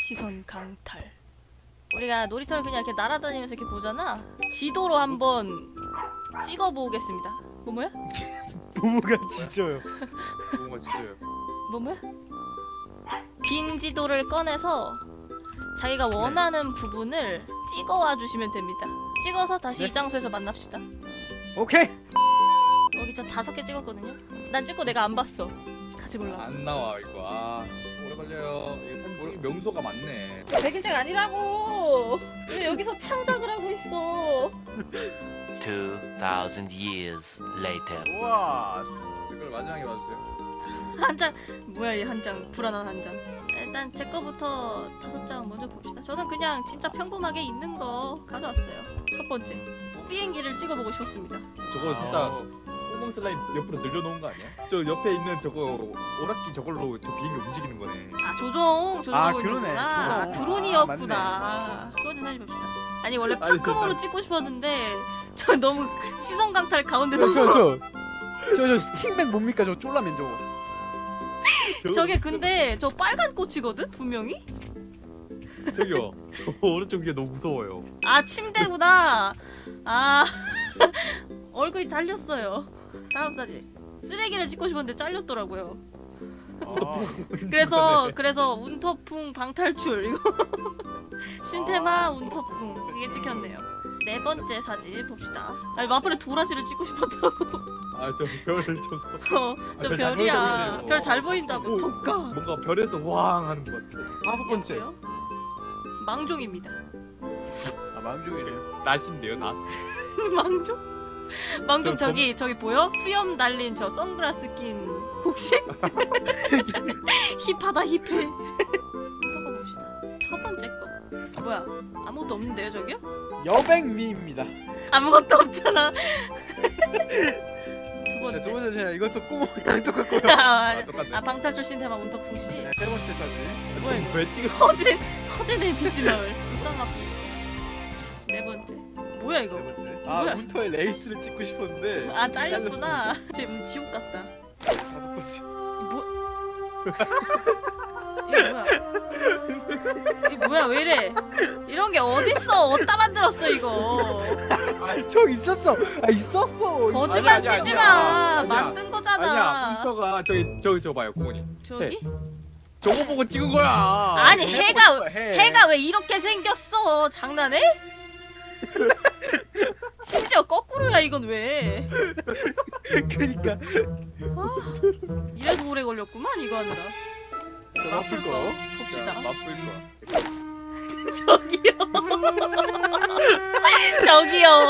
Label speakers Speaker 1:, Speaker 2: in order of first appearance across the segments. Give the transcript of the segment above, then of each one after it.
Speaker 1: 시선 강탈. 우리가 놀이터를 그냥 이렇게 날아다니면서 이렇게 보잖아. 지도로 한번 찍어보겠습니다. 뭐야?
Speaker 2: 부모가 지져요.
Speaker 3: 뭔가 진짜요.
Speaker 1: 뭐야? 빈 지도를 꺼내서 자기가 원하는 부분을 찍어와 주시면 됩니다. 찍어서 다시
Speaker 2: 네.
Speaker 1: 이 장소에서 만납시다.
Speaker 2: 오케이.
Speaker 1: 여기 저 5개 찍었거든요. 난 찍고 내가 안 봤어. 같이 몰라.
Speaker 3: 안 나와 이거. 아 오래 걸려요. 이게 산지 명소가 많네.
Speaker 1: 백인장 아니라고. 왜 여기서 창작을 하고 있어?
Speaker 4: 2,000 years later.
Speaker 2: 우와.
Speaker 3: 이걸 마지막에 봐주세요.
Speaker 1: 한 장. 뭐야 이 한 장. 불안한 한 장. 일단 제 거부터 5장 먼저 봅시다. 저는 그냥 진짜 평범하게 있는 거 가져왔어요. 첫 번째, 우비행기를 찍어보고 싶었습니다.
Speaker 3: 저거 진짜 꼬멍 슬라임 옆으로 늘려놓은 거 아니야? 저 옆에 있는 저거 오락기 저걸로 저 비행기 움직이는 거네.
Speaker 1: 아 조종
Speaker 2: 아,
Speaker 1: 조종하고
Speaker 2: 그러네.
Speaker 1: 있구나. 아,
Speaker 2: 조종.
Speaker 1: 드론이었구나.
Speaker 2: 아,
Speaker 1: 두 번째 사진 봅시다. 아니 원래
Speaker 3: 아니,
Speaker 1: 파크모로
Speaker 3: 됐다.
Speaker 1: 찍고 싶었는데 저 너무 시선 강탈 가운데 너무
Speaker 2: 저 스팅맨 뭡니까 저 쫄라맨 저거.
Speaker 1: 저게 근데 저 빨간 꽃이거든 분명히.
Speaker 3: 저기요. 저 오른쪽 위에 너무 무서워요.
Speaker 1: 아 침대구나. 아 얼굴이 잘렸어요. 다음 사진. 쓰레기를 찍고 싶었는데 잘렸더라고요. 그래서 운터풍 방탈출 이거 신테마 운터풍 이게 찍혔네요. 네 번째 사진 봅시다. 아니 마플에 도라지를 찍고 싶었다고.
Speaker 3: 아 저 별을 저거
Speaker 1: 저
Speaker 3: 별잘
Speaker 1: 별이야.
Speaker 3: 보이네.
Speaker 1: 별 잘 보인다고.
Speaker 3: 오.
Speaker 1: 덕가.
Speaker 3: 뭔가 별에서 왕 하는 것 같아.
Speaker 2: 5번째.
Speaker 1: 망종입니다.
Speaker 2: 아 망중이래.
Speaker 3: 낫인데요 낫.
Speaker 1: 망종? 망종
Speaker 3: 저
Speaker 1: 저기 보여? 수염 달린 저 선글라스 낀 혹시? 힙하다 힙해. 이거 봅시다. 첫 번째 거. 뭐야? 아무것도 없는데요 저기요?
Speaker 2: 여백미입니다.
Speaker 1: 아무것도 없잖아. 두
Speaker 2: 자,
Speaker 1: 번째.
Speaker 2: 두 번째 제가 이것도 꼬모랑 똑같고요.
Speaker 1: 아,
Speaker 3: 똑같네.
Speaker 1: 아 방탈출 신테마 운터풍 씨.
Speaker 2: 네, 세 번째 사진.
Speaker 1: 뭐야 이거?
Speaker 3: 왜 찍었어?
Speaker 1: 터진 NPC 마을 불쌍하고. 네 번째. 뭐야 이거?
Speaker 2: 네 번째. 아
Speaker 1: 뭐야?
Speaker 2: 운터의 레이스를 찍고 싶었는데.
Speaker 1: 아 잘렸구나. 쟤 무슨 지옥 같다.
Speaker 2: 다섯 번째.
Speaker 1: 이거 뭐야? 이거 뭐야? 왜 이래? 이런 게 어딨어? 어디다 만들었어 이거?
Speaker 2: 저 있었어. 아 있었어.
Speaker 1: 거짓말
Speaker 3: 아니야,
Speaker 1: 치지
Speaker 3: 아니야.
Speaker 1: 마.
Speaker 3: 아니야.
Speaker 1: 만든 거잖아.
Speaker 3: 아니야 운터가 저기 봐요 고모님.
Speaker 1: 저기?
Speaker 3: 저거 보고 찍은 거야.
Speaker 1: 아니 해가
Speaker 3: 해.
Speaker 1: 해가 왜 이렇게 생겼어? 장난해? 심지어 거꾸로야 이건 왜?
Speaker 2: 그러니까.
Speaker 1: 이래서 오래 걸렸구만 이거 하느라.
Speaker 2: 마플 거.
Speaker 1: 봅시다.
Speaker 3: 맛볼 거.
Speaker 1: 저기요. 저기요.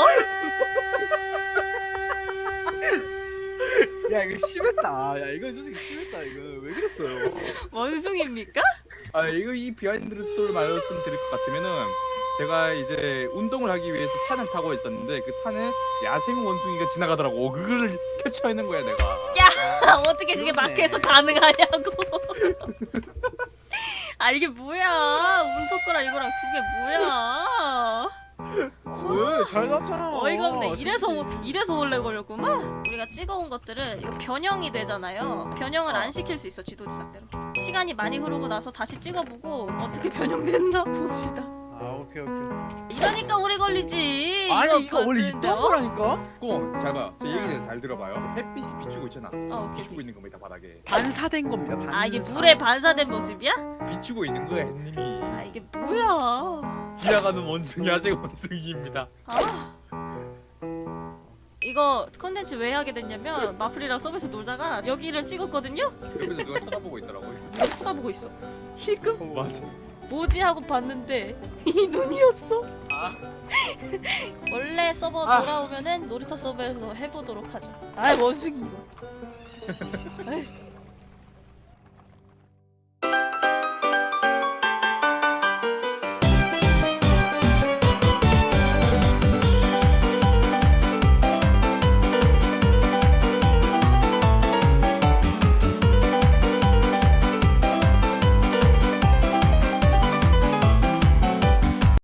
Speaker 2: 야 이거 심했다. 야 이거 솔직히 심했다. 이거 왜 그랬어요?
Speaker 1: 원숭입니까?
Speaker 3: 아 이거 이 비하인드 스토리를 말씀드릴 것 같으면은 제가 이제 운동을 하기 위해서 산을 타고 있었는데 그 산에 야생 원숭이가 지나가더라고. 그거를 캡처해낸 거야 내가.
Speaker 1: 어떻게 그게
Speaker 2: 그렇네.
Speaker 1: 마크에서 가능하냐고. 아 이게 뭐야? 운석 거랑 이거랑 두 개 뭐야?
Speaker 2: 왜? 잘 났잖아.
Speaker 1: 어이가 없네. 이래서 원래 걸렸구만. 우리가 찍어온 것들은 이거 변형이 되잖아요. 변형을 안 시킬 수 있어 지도 제작대로. 시간이 많이 흐르고 나서 다시 찍어보고 어떻게 변형됐나 봅시다.
Speaker 2: 아 오케이.
Speaker 1: 이러니까 오래 걸리지.
Speaker 2: 아니 이거 원래
Speaker 1: 봤는데,
Speaker 2: 있던 거라니까.
Speaker 3: 꼭 잘 봐요. 제 얘기를 잘 들어봐요. 햇빛이 비추고 있잖아.
Speaker 1: 오케이,
Speaker 3: 비추고 있는 겁니다 바닥에.
Speaker 2: 반사된 겁니다. 반사.
Speaker 1: 아 이게 물에 반사된 모습이야?
Speaker 3: 비추고 있는 거야 햇님이.
Speaker 1: 아 이게 뭐야?
Speaker 3: 지나가는 원숭이 야생 원숭이입니다.
Speaker 1: 아 이거 컨텐츠 왜 하게 됐냐면 마플이랑 서버에서 놀다가 여기를 찍었거든요?
Speaker 3: 옆에서 누가 쳐다보고 있더라고요.
Speaker 1: 누가 쳐다보고 있어. 힐끔?
Speaker 3: 맞아.
Speaker 1: 뭐지 하고 봤는데 이 눈이었어. 원래 서버 돌아오면은 놀이터 서버에서 해보도록 하죠. 아 원숭이 이거. 아이,